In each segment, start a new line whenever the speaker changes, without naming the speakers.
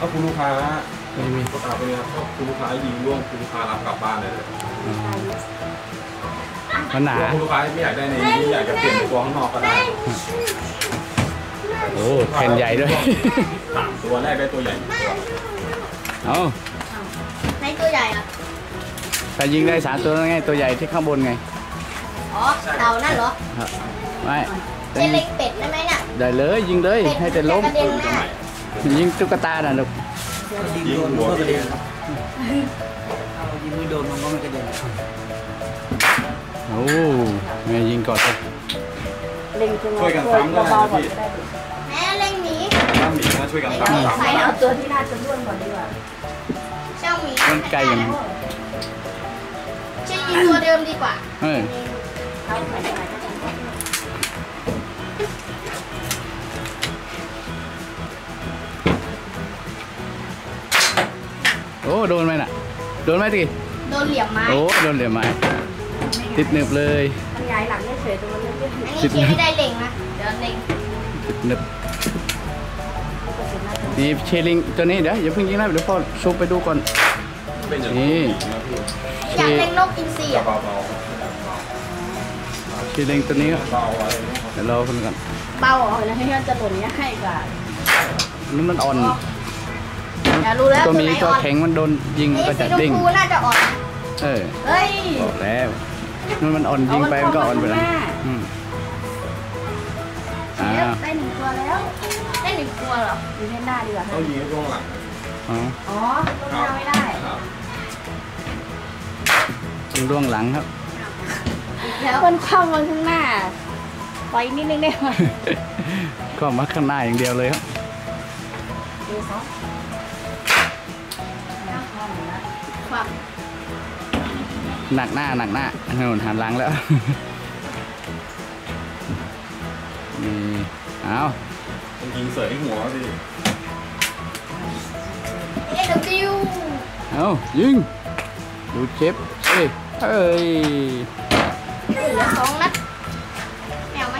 คุณลูกค้า
ไม่มี
ก็ตามไปเลยครับถ้าคุณลูกค้ายิงร่วงคุณลูกค้ารับกลับบ้านเลย
มันหนา
คุณลูกค้าไม่อยากได้ในนี้อยากจะเปลี่ยนตัวข้างนอกก็ได้
โอ้แผ่นใหญ่ด้วย
3 ตัวแรกได้ตัวใหญ่
เอา
ในตัวใหญ่อะ
ถ้ายิงได้3 ตัวไงตัวใหญ่ที่ข้างบนไง
อ๋อเต่านั่นเหรอ
ไม่
จะเล็งเป็ดได้ไหมเนี่ย
ได้เลยยิงเลยให้แต่ล้มยิงตุ๊กตาน่ะลูก
ยิงหัวกระเด็น
ยิงไม่โดนมันก็ไม่กระเด็น
โอ้แม่ยิงก่อนเลย
ช่วยกันซ้ำได้นะพี่
แม่เล็งหมี
ถ้าหมีนะช่วยกันซ้ำ
ใส่เอาตัวที่น่าจะด้วนก่อนดีกว่าเจ้าหมี
มันไกลอย่าง
ใช่ยิงตัวเดิมดีกว่า
โอ้โดนไหมน่ะโดนไหมที
โดนเหลี่ยมไม้
โอ้โดนเหลี่ยมไม้ติดหนึบเลย
มันย้ายหลังไม่เฉยตัวมันเลื่อนอันนี้เขียนไม่ได้เล็งนะเดี๋ยวเล็ง
ติดหนึบนี่เชลิงตัวนี้เดี๋ยวอย่าเพิ่งยิงนะเดี๋ยวพ่อซูมไปดูก่อนนี่
อยากเล็งนกอินทรีอ่ะ
เชลิงตัวนี้เดี๋ยวรอคนก่อน
เบาเหรอแล้วให้มันจะหล่นเนี้ยให้กัน
นี่มันอ่อน
รู้แล้ว
ตัวนี้ตัวแข็งมันโดนยิงก็จะเด้ง
น่าจะอ่อน
เฮ้ยบอกแล้วมันอ่อนยิงไปมันก็อ่อนไปแล้ว
ได้1 ตัวแล้วได้1 ตัวเหรอยิงแค่หน้าดีกว่า
ต้องยิงช่วงหลัง
อ๋อตรงหน้าไม่ได้
ยิงล่วงหลังครับ
แล้วคนเข้ามาข้างหน้าไปนิดนึงได้ไหม
ก็มาข้างหน้าอย่างเดียวเลยครับหนักหน้าหนุนหันหลังแล้วนี่เอา
ยิงเสยหัวสิ
เอายิงดูเชฟเฮ้ย
เหลือ2 นัดแมวไหม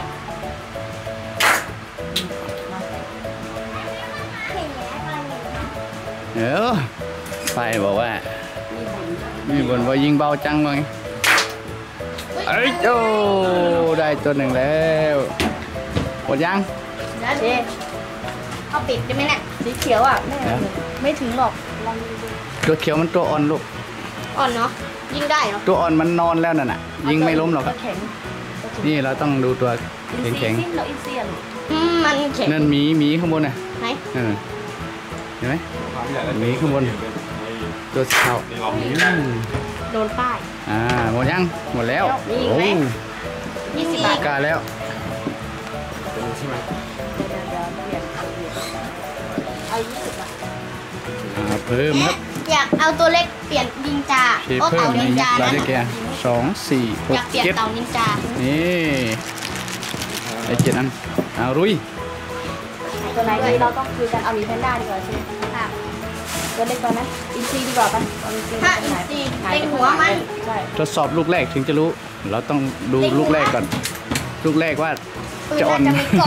ไฟบอกว่ามีบนว่ายิงเบาจังเลยเอ้ยโอ้ได้ตัว1แล้วหมดยัง
เจ๊เอาปิดได้ไหมเนี่ยสีเขียวอ่ะไม่ถึงหรอกลองดู
ตัวเขียวมันตัวอ่อนลูก
อ่อนเนาะยิงได้เหรอ
ตัวอ่อนมันนอนแล้วน่ะยิงไม่ล้มหรอกนี่เราต้องดูตัวแข็ง
มันแข็ง
นั่นหมีข้างบนน่ะ
ไหน
เห็นไหมหมีข้างบนตัวเข่า
โดนป้าย
หมดยังหมดแล้วโอ้
20 บาท
กาแล้ว
ใช่ไหม
เอา20 บาท
เพิ่มครับ
อยากเอาตัวเล็กเปลี่ยนนินจา
เพิ่มนินจาได้แก่2 4 6 7
อยากเปลี่ยนเต่านินจา
นี่ไอ้7 อันรุย
ตัวไหนเราต้องคุยกันเอามีแพนด้าดีกว่าใช่ไหมค่ะตัวเล็กตัวนั้นอินซีดีกว่าป่ะถ้าอินซีเล็งหัวมัน
ทดสอบลูกแรกถึงจะรู้เราต้องดูลูกแรกก่อนลูกแรกว่าจะอ่อน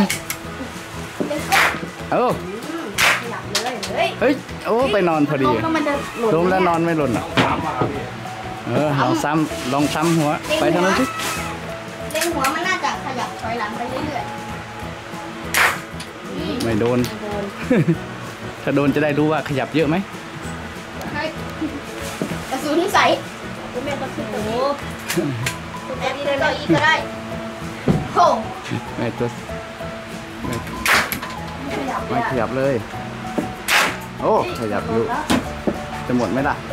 เฮ้ยโอ้ไปนอนพอดีล้มแล้วนอนไม่หล่นอ่ะลองซ้ำหัวไปทางนั้นสิ
เล็งหัวมันน่าจะขยับถอยหลังไปเรื่อย
ๆไม่โดนถ้าโดนจะได้รู้ว่าขยับเยอะไหม
กระสุนใส่คุณแม่ก็คือโอ้คุณแม่นี่เลยก็อีกก็ได้โค้
ไม่ตัวไม่ขยับเลยโอ้ขยับอยู่จะหมดไหมล่ะ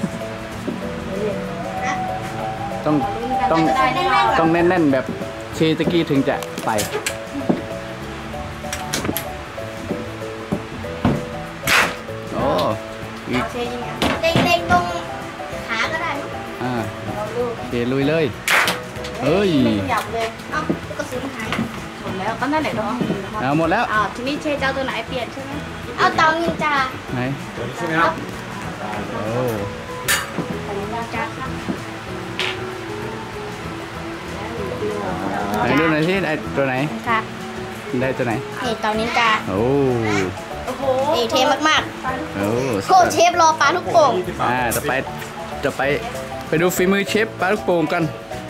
ต้องแน่นๆแบบเชตะกี้ถึงจะไปโอ้
เด็กๆตรงขาก็ได้
เชลุยเลยเฮ้ย
ไม่ขยับเลยเอ้ากระสุนหายหมดแล้วก็นั่นแหละ
หมดแล้ว
ทีนี้เชเจ้าตัวไหนเปลี่ยนใช่ไหมเอาเต่านินจา
ไหน
ใช่ไหมครับ
โอ้
นินจาครับ
ไหนดูหน่อยที่ได้ตัวไหน
ครับ
ได้ตัวไหน
นี่เต่านินจา
โอ้
โอ้โห
นี่เทมาก
โอ้
ๆโคเชฟรอปลาลูกโป่ง
20 บาท
จะไปไปดูฝีมือเชฟปลาลูกโป่งกัน
เ